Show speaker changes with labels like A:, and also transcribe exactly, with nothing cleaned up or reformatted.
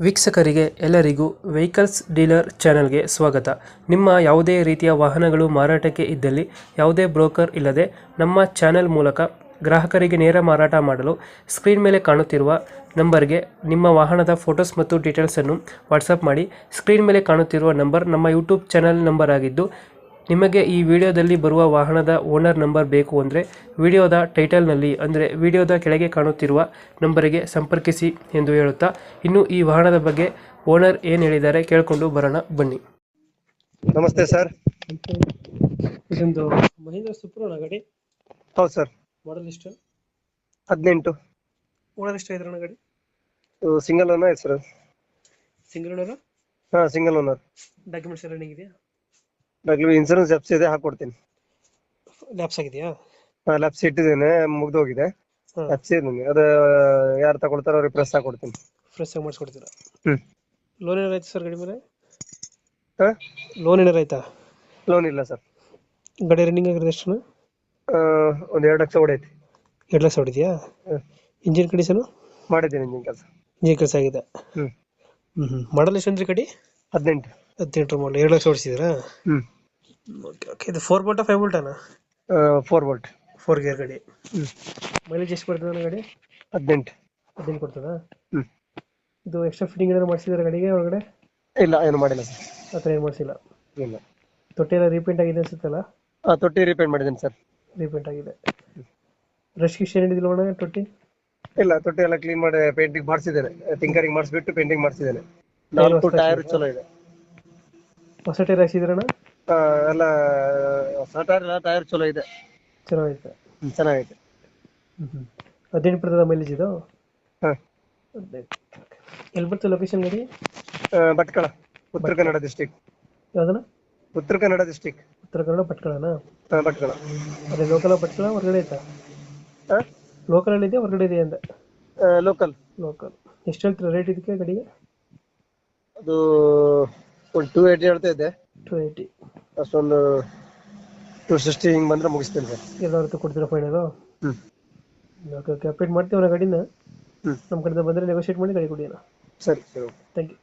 A: ವೀಕ್ಷಕರಿಗೆ ಎಲ್ಲರಿಗೂ vehicles dealer ಚಾನೆಲ್ಗೆ ಸ್ವಾಗತ. ನಿಮ್ಮ ಯಾವುದೇ ರೀತಿಯ ವಾಹನಗಳು ಮಾರಾಟಕ್ಕೆ ಇದ್ದಲ್ಲಿ ಯಾವುದೇ ಬ್ರೋಕರ್ ಇಲ್ಲದೆ ನಮ್ಮ ಚಾನೆಲ್ ಮೂಲಕ ಗ್ರಾಹಕರಿಗೆ ನೇರ ಮಾರಾಟ ಮಾಡಲು ಸ್ಕ್ರೀನ್ ಮೇಲೆ ಕಾಣುತ್ತಿರುವ ನಂಬರ್ಗೆ ನಿಮ್ಮ ವಾಹನದ ಫೋಟೋಸ್ ಮತ್ತು ಡೀಟೇಲ್ಸನ್ನು ವಾಟ್ಸಪ್ ಮಾಡಿ. ಸ್ಕ್ರೀನ್ ಮೇಲೆ ಕಾಣುತ್ತಿರುವ ನಂಬರ್ ನಮ್ಮ ಯೂಟ್ಯೂಬ್ ಚಾನೆಲ್ ನಂಬರ್ ಆಗಿದ್ದು, ನಿಮಗೆ ಈ ವಿಡಿಯೋದಲ್ಲಿ ಬರುವ ವಾಹನದ ಓನರ್ ನಂಬರ್ ಬೇಕು ಅಂದರೆ ವಿಡಿಯೋದ ಟೈಟಲ್ನಲ್ಲಿ ಅಂದರೆ ವಿಡಿಯೋದ ಕೆಳಗೆ ಕಾಣುತ್ತಿರುವ ನಂಬರಿಗೆ ಸಂಪರ್ಕಿಸಿ ಎಂದು ಹೇಳುತ್ತಾ, ಇನ್ನು ಈ ವಾಹನದ ಬಗ್ಗೆ ಓನರ್ ಏನು ಹೇಳಿದ್ದಾರೆ ಕೇಳಿಕೊಂಡು ಬರೋಣ ಬನ್ನಿ.
B: ನಮಸ್ತೆ ಸರ್.
A: ಇದೊಂದು ಮಹೀಂದ್ರ ಸುಪ್ರೋ ಗಾಡಿ,
B: ಹೌದು ಸರ್.
A: ಮಾಡಲ್ ಎಷ್ಟು?
B: ಹದಿನೆಂಟು.
A: ಓನರ್ ಎಷ್ಟು ಇದ್ರಣ ಗಾಡಿ?
B: Single owner sir.
A: Single owner?
B: ಹಾ, ಸಿಂಗಲ್ ಓನರ್.
A: ಡಾಕ್ಯುಮೆಂಟ್ಸ್ ಎಲ್ಲ ರನ್ನಿಂಗ್ ಇದೆಯಾ?
B: ಡಾಕ್ಯುಮೆಂಟ್ ಇನ್ಸೂರೆನ್ಸ್ ಎಫ್ಸಿ ಇದೆ, ಹಾಕೊಡ್ತೀನಿ.
A: ಲ್ಯಾಪ್ಸ್ ಆಗಿದೆಯಾ?
B: ಹಾ, ಲ್ಯಾಪ್ಸ್ ಇಟ್ಟಿದ್ದೇನೆ, ಮುಗ್ದೋಗಿದೆ. ಎಫ್ಸಿ ಇದೆ, ಅದು ಯಾರು ತಗೊಳ್ತಾರೋ ಅವ್ರಿಗೆ ಪ್ರೆಸ್ ಹಾಕೊಡ್ತೀನಿ.
A: ಫ್ರೆಶ್ ಆಗಿ ಮಾಡಿಸ್ಕೊಡ್ತೀರಾ?
B: ಹ್ಮ್.
A: ಲೋನ್ ಏನಾರು ಆಯ್ತು ಸರ್ ಗಾಡಿ ಮೇಲೆ?
B: ಹಾ,
A: ಲೋನ್ ಏನಾರು ಆಯ್ತಾ?
B: ಲೋನ್ ಇಲ್ಲ ಸರ್.
A: ಗಾಡಿ ರನ್ನಿಂಗ್ ಆಗಿರೋದು ಎಷ್ಟು?
B: ಒಂದ್ ಎರಡು ಲಕ್ಷ ಹೊಡೈತಿ.
A: ಎರಡು ಲಕ್ಷ ಹೊಡಿದ್ಯಾ? ಇಂಜಿನ್ ಕಂಡೀಷನು
B: ಮಾಡಿದ್ದೀನಿ ಇಂಜಿನ್ ಕೆಲಸ.
A: ಇಂಜಿನ್ ಕೆಲಸ ಆಗಿದೆ.
B: ಹ್ಮ್
A: ಹ್ಮ್ ಹ್ಮ್ ಮಾಡಲ್ ಎಷ್ಟು ಅಂದ್ರೆ ಗಾಡಿ?
B: ಹದಿನೆಂಟು.
A: ಹದಿನೆಂಟು ಮಾಡಲ್, ಎರಡು ಲಕ್ಷ ಹೊಡಿಸಿದ್ರಾ?
B: ಹ್ಮ್.
A: Okay okay. ಇದು ಫೋರ್ ಬೋಲ್ಟಾ ಫೈವ್ ಬೋಲ್ಟಾನ?
B: Four volt.
A: ಫೋರ್ ಗೇರ್ ಗಾಡಿ.
B: ಹ್ಮ್.
A: ಮೈಲೇಜ್ ಎಷ್ಟು ಬರ್ತದೆ ಗಾಡಿ?
B: ಹದಿನೆಂಟು.
A: ಹದಿನೆಂಟು ಕೊಡ್ತದಾ?
B: ಹ್ಮ್.
A: ಇದು ಎಕ್ಸ್ಟ್ರಾ ಫಿಟ್ಟಿಂಗ್ ಏನಾದ್ರು ಮಾಡಿಸಿದ್ರೆ ಗಾಡಿಗೆ ಒಳಗಡೆ?
B: ಇಲ್ಲ, ಏನು ಮಾಡಿಲ್ಲ ಸರ್.
A: ಆ ಥರ ಏನು ಮಾಡಿಸಿಲ್ಲ?
B: ಇಲ್ಲ.
A: ತೊಟ್ಟಿ ಎಲ್ಲ ರೀಪೇಂಟ್ ಆಗಿದೆ ಅನ್ಸುತ್ತಲ್ಲ?
B: ಹಾ, ತೊಟ್ಟಿ ರಿಪೇಂಟ್ ಮಾಡಿದ್ದೀನಿ ಸರ್.
A: ರೀಪೇಂಟ್ ಆಗಿದೆ. ರಶ್ ಗಿಶ್ ಏನು ಹಿಡಿದಿಲ್ಲ ಒಳಗೆ ತೊಟ್ಟಿ?
B: ಇಲ್ಲ, ತೊಟ್ಟಿ ಎಲ್ಲ ಕ್ಲೀನ್ ಮಾಡಿ ಪೇಂಟಿಂಗ್ ಮಾಡಿಸಿದ್ದೇನೆ. ಟಿಂಕರಿಂಗ್ ಮಾಡಿಸ್ಬಿಟ್ಟು ಪೇಂಟಿಂಗ್ ಮಾಡಿಸಿದ್ದೇನೆ. ನಾಲ್ಕು ಟೈರ್ ಚಲೋ ಇದೆ.
A: ಹೊಸ ಟೈರ್ ಹಾಕ್ಸಿದ್ರಣ್ಣ?
B: ಆ, ಎಲ್ಲ ಹೊಸ ಟೈರ್ ಟೈರ್ ಚಲೋ ಇದೆ.
A: ಚೆನ್ನಾಗೈತೆ.
B: ಹ್ಮ್, ಚೆನ್ನಾಗೈತೆ.
A: ಹ್ಞೂ ಹ್ಞೂ. ಹದಿನೆಂಟು ಬರ್ತದ ಮೈಲೇಜ್ ಇದು?
B: ಹಾ.
A: ಹದಿನೆಂಟು. ಎಲ್ಲಿ ಬರ್ತದೆ ಲೊಕೇಶನ್ ಗಾಡಿ?
B: ಭಟ್ಕಳ, ಉತ್ತರ ಕನ್ನಡ ಡಿಸ್ಟಿಕ್.
A: ಯಾವ್ದಣ್ಣ?
B: ಉತ್ತರ ಕನ್ನಡ ಡಿಸ್ಟಿಕ್.
A: ಉತ್ತರ ಕನ್ನಡ ಭಟ್ಕಳನಾ?
B: ಹಾ, ಭಟ್ಕಳ.
A: ಅದೇ ಲೋಕಲ್ ಭಟ್ಕಳ ಹೊರಗಡೆ ಐತಾ?
B: ಹಾ,
A: ಲೋಕಲಲ್ಲಿ ಇದೆಯಾ ಹೊರಗಡೆ ಇದೆಯಾ ಅಂದೆ?
B: ಲೋಕಲ್.
A: ಲೋಕಲ್. ಎಷ್ಟು ಹೇಳ್ತೀರಾ ರೇಟ್ ಇದಕ್ಕೆ ಗಾಡಿಗೆ?
B: ಅದು ಒಂದು ಟೂ ಏಯ್ಟಿ ಹೇಳ್ತಾ ಇದ್ದೆ.
A: Two eighty.
B: ಅಷ್ಟೊಂದು ಟೂ ಸಿಕ್ಸ್ಟಿ ಹಿಂಗೆ ಬಂದ್ರೆ ಮುಗಿಸ್ತೇನೆ ಸರ್.
A: ಎಲ್ಲ ಹೊರತು ಕೊಡ್ತೀರಾ ಫೈನಲು?
B: ಹ್ಮ್.
A: Okay okay. ಅಪ್ಡೇಟ್ ಮಾಡ್ತೀವಿ ಗಾಡಿನ.
B: ಹ್ಮ್.
A: ನಮ್ಮ ಕಡೆಯಿಂದ ಬಂದರೆ ನೆಗೋಷಿಯೇಟ್ ಮಾಡಿ ಗಾಡಿ ಕೊಡಿ ಅಣ್ಣ.
B: ಸರಿ ಸರಿ.
A: Thank you.